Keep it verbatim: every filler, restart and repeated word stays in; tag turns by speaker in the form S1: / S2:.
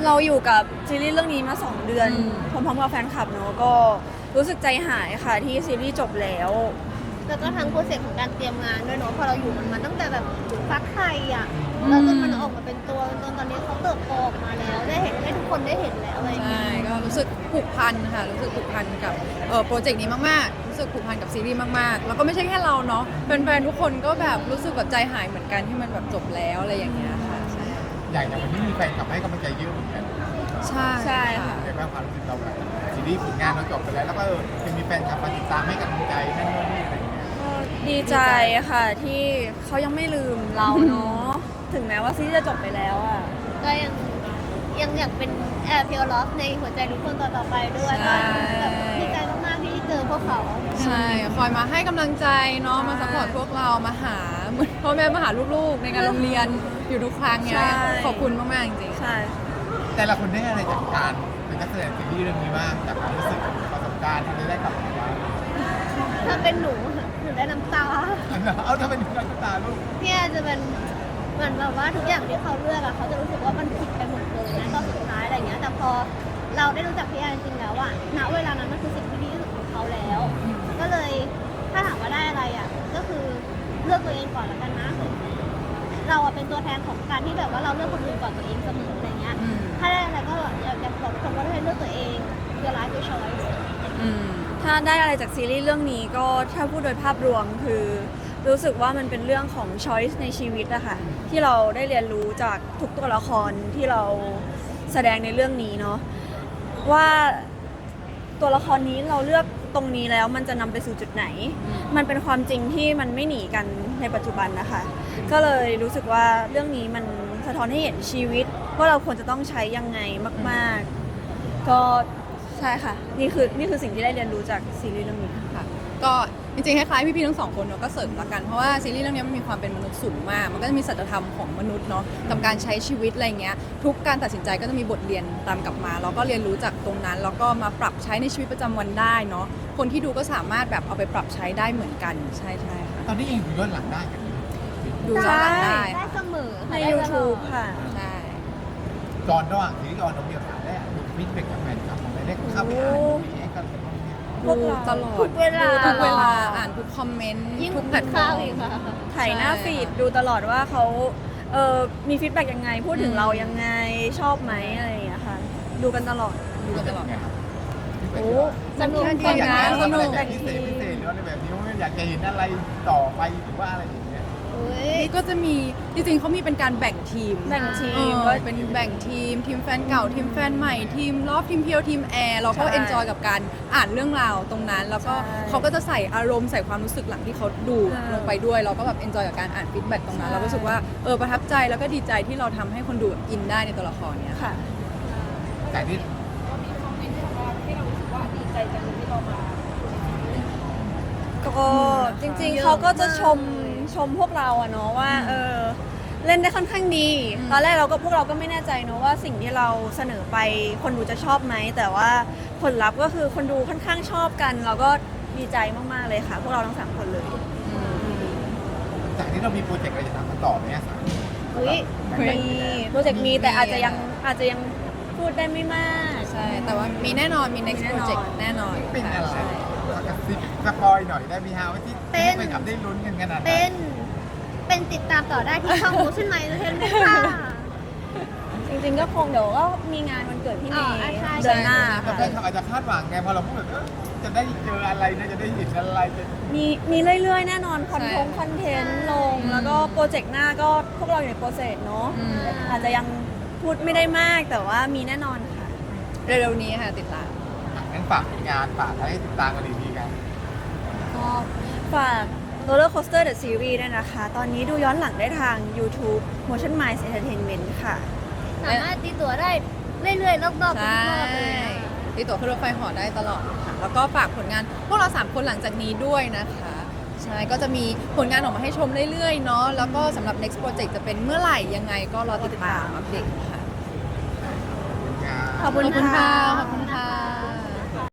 S1: เราอยู่กับซีรีส์เรื่องนี้มาสองเดือนพร้อมๆกับแฟนคลับเนอะก็รู้สึกใจหายค่ะที่ซีรีส์จบแล้ว
S2: แล้วก็ทั้งโปรเซสของการเตรียมงานด้วยเนาะพอเราอยู่มันมาตั้งแต่แบบฟักไข่อ่ะแล้วจนมันออกมาเป็นตัวจนตอนนี้เขาเติบโตออกมาแล้วได้เห็นได้ทุกคนได้เห็นแล้วอะไรอย่างเงี้
S3: ใช่
S2: ย
S3: ก็รู้สึกผูกพันค่ะรู้สึกผูกพันกับเอ่อโปรเจกต์นี้มากๆรู้สึกผูกพันกับซีรีส์มากๆแล้วก็ไม่ใช่แค่เราเนาะแฟนๆทุกคนก็แบบรู้สึกแบบใจหายเหมือนกันที่มันแบบจบแล้วอะไรอย่างเงี้ยค่ะใช่
S4: อย่างอย่างวันนี้มีแฟนกลับให้กำลังใจเยอะเหมือนกัน
S3: ใช่
S1: ใช่ค่ะ
S4: ในบ้างความรู้สึกเราแบบซีรีส์ผลงานเราจบไปแล้วแล้วก็เออยังมีแฟนกลับมาติดตามให้กำลังใจนั่นนู่นนี่อะไรอย่างเงี้ย
S1: ก็ดีใจค่ะที่เขายังไม่ลืมเราเนาะถึงแม้ว่าซีรีส์จะจบไปแล้วอ่ะ
S2: ก็ยังยังอยากเป็นแอร์เพียวลอฟในหัวใจทุกคนต่อๆไปด้วยก็แบบดีใจมากๆที่เจอพวกเขา
S3: ใช่คอยมาให้กำลังใจเนาะมาซัพพอร์ตพวกเรามาหาเหมือนพ่อแม่มาหาลูกๆ ในงานโรงเรียนอยู่ทุกครั้งเนี้ยขอบคุณมากๆจริงๆ
S1: ใช่
S4: แต่ละคนได้อะไรจากการเป็นนักแสดงซีรีส์เรื่องนี้บ้างจากความรู้สึกประสบการณ์ที่ได้กลับมาบ้าง
S2: ถ้าเป็นหนูหนูได้น้ำตา
S4: เอาถ้าเป็นนักตาลูก
S2: พี่แอร์จะเป็นเหมือนแบบว่าทุกอย่างที่เขาเลือกอะเขาจะรู้สึกว่ามันผิดไปหมดเลยนะตอนสุดท้ายอะไรเงี้ยแต่พอเราได้รู้จักพี่แอร์จริงๆแล้วอะณเวลานั้นมันคือสิ่งที่ดีที่สุดของเขาแล้ว ก็เลยถ้าถามว่าได้อะไรอะก็คือเลือกตัวเองก่อนแล้วกันนะเราอะเป็นตัวแทนของการที่แบบว่าเราเลือกคนอื่นก่อนตัวเองเสมออะไรเงี้ย
S3: อืม
S2: ถ้าได้อะไรก็อยากจะบอกทุกคนว่าให้เลือกตัวเองคือไลฟ์คือช้อยส์
S3: อืม
S1: ถ้าได้อะไรจากซีรีส์เรื่องนี้ก็ถ้าพูดโดยภาพรวมคือรู้สึกว่ามันเป็นเรื่องของ choice ในชีวิตอะค่ะที่เราได้เรียนรู้จากทุกตัวละครที่เราแสดงในเรื่องนี้เนาะว่าตัวละครนี้เราเลือกตรงนี้แล้วมันจะนำไปสู่จุดไหน มันเป็นความจริงที่มันไม่หนีกันในปัจจุบันนะคะ ก็เลยรู้สึกว่าเรื่องนี้มันสะท้อนให้เห็นชีวิตว่าเราควรจะต้องใช้ยังไงมากๆ ก็ใช่ค่ะนี่คือนี่คือสิ่งที่ได้เรียนรู้จากซีรีส์เรื่องนี้
S3: ค่ะก็จริงๆคล้ายๆพี่ๆทั้งสองคนเนาะก็เสริมละกันเพราะว่าซีรีส์เรื่องนี้มันมีความเป็นมนุษย์สูงมาก มันก็จะมีสัจธรรมของมนุษย์เนาะกับการใช้ชีวิตอะไรเงี้ยทุกการตัดสินใจก็จะมีบทเรียนตามกลับมาเราก็เรียนรู้จากตรงนั้นแล้วก็มาปรับใช้ในชีวิตประจำวันได้เนาะคนที่ดูก็สามารถแบบเอาไปปรับใช้ได้เหมือนกันใช่ใช่ค่ะ
S4: ตอนนี้ยังดูย้อนหลังได้กัน
S3: ดูย้อนหลังได้
S2: ได้
S3: ค่ะ
S2: เสมอ
S1: ใน
S2: ค่ะได้ตลอด
S1: YouTube ค่ะ
S3: ใช่
S4: จอนระหว่างซีรีส์ออนน้องเดียวถามได้ดูฟีดแบ็กจากแฟนคลับของได้ได้เข้าไปอ่านดูรีแอคกันอะไรบ้างเนี่ย
S1: พวก
S3: ดู
S1: เรา
S3: ตลอด
S2: ทุกเวลา
S3: ดูทุกเวลาอ่านทุกคอมเมนต์
S2: ยิ่ง
S3: ทุกแพลตฟอ
S2: ข้า
S3: ร์
S2: ว
S3: ม
S2: อีกค่ะ
S1: ถ่ายหน้า
S3: ใช่
S1: ฟีดดูตลอดว่าเขาเออมีฟีดแบ็กยังไง พูดถึง
S3: อืม
S1: เรายังไงชอบไหมอะไรอย่างเงี้ยค่ะ ดูกันตลอด
S3: ดูกันตลอด
S1: โอ้
S2: สนุก
S3: จริงนะสนุก
S4: แบบพิเศษพิเศษหรืออะไรแบบนี้ว่าอยากจะเห็นอะไรต่อไปหรือว่าอะไรอย่างเงี้ย
S2: อุ๊ย
S3: นี่ก็จะมีจริงๆเขามีเป็นการแบ่งทีม
S1: แบ่งที
S3: ที
S1: ม
S3: ม
S1: ว่า
S3: เป็นแบ่งทีม ทีมแฟนเก่า ทีมแฟนใหม่ ทีมลอฟทีมเพียว ทีมแอร์ เราก็
S1: ใช่
S3: เอนจอยกับการอ่านเรื่องราวตรงนั้น แล้วก็
S1: ใช่
S3: เขาก็จะใส่อารมณ์ใส่ความรู้สึกหลังที่เขาดู
S1: ใช่
S3: ลงไปด้วย เราก็แบบเอนจอยกับการอ่านฟีดแบ็กตรงนั้น
S1: ใช่
S3: เราก็รู้สึกว่าเออประทับใจแล้วก็ดีใจที่เราทำให้คนดูแบบอินได้ในตัวละครเนี้ย
S1: ค่ะ
S4: แต่ที่
S1: ก็จริงๆเขาก็จะชมชมพวกเราอะเนาะว่าเออเล่นได้ค่อนข้างดี ตอนแรกเราก็พวกเราก็ไม่แน่ใจเนาะว่าสิ่งที่เราเสนอไปคนดูจะชอบไหม แต่ว่าผลลัพธ์ก็คือคนดูค่อนข้างชอบกัน เราก็ดีใจมากๆเลยค่ะ พวกเราทั้งสามคนเลย
S4: จากนี้เรามีโปรเจกต์อะไรจะทำกันต่อไหมอ่ะสาม
S2: อุ๊ย
S1: มีโปรเจกต์มีแต่อาจจะยังอาจจะยังพูดได้ไม่มาก
S3: ใช่ แต่ว่ามีแน่นอน มี next
S1: มีแน่นอน
S3: project แน่นอน
S4: เป็นอะไร
S3: ใช่
S4: กระซิบสปอยหน่อยได้ไหมฮะว่าที่ที่ไปกับได้ลุ้นกันขนาดไหน
S2: เป็นเป็นติดตามต่อได้ที่ช่อง Motion My Entertainment ค่ะ
S1: จริงๆก็คงเดี๋ยวก็มีงานวันเกิดพี่เม
S2: อ๋อ
S1: ย์
S2: ใช่
S1: เดือนหน้า
S4: แต่
S1: ค่ะ
S4: แฟนคลับอาจจะคาดหวังไงพอเราพูดแบบเออจะได้เจออะไรนะจะได้เห็นอะไรจะ
S1: มีมีเรื่อยๆ แน่นอนคอนเทนต์คอนเทนต์ลง แล้วก็โปรเจกต์หน้าก็พวกเราอยู่ในโปรเซสเนาะ
S3: อืม
S1: อาจจะยังพูดไม่ได้มากแต่ว่ามีแน่นอนค่ะ
S3: เร็วๆนี้ค่ะติดตาม
S4: งั้นฝากผลงานฝากอะไรให้ติดตามกันดีๆกัน
S1: ก็ฝาก Roller Coaster The Series ด้วยนะคะ ตอนนี้ดูย้อนหลังได้ทาง YouTube Motion Minds Entertainment ค่ะ
S2: สามารถตีตั๋วได้เรื่อยๆ รอบๆทุก
S3: ใช่
S2: รอบเลยนะคะ
S3: ตีตั๋วขึ้นรถไฟเหอได้ตลอดค่ะ แล้วก็ฝากผลงานพวกเราสามคนหลังจากนี้ด้วยนะคะ ใช่ ก็จะมีผลงานออกมาให้ชมเรื่อยๆ เนาะ แล้วก็สำหรับ next project จะเป็นเมื่อไหร่ยังไงก็รอติดตามอัปเดตค่ะ
S1: ขอบคุณ
S3: ขอบคุณ
S1: ค่ะ
S3: ค่ะ ขอบคุณค่ะ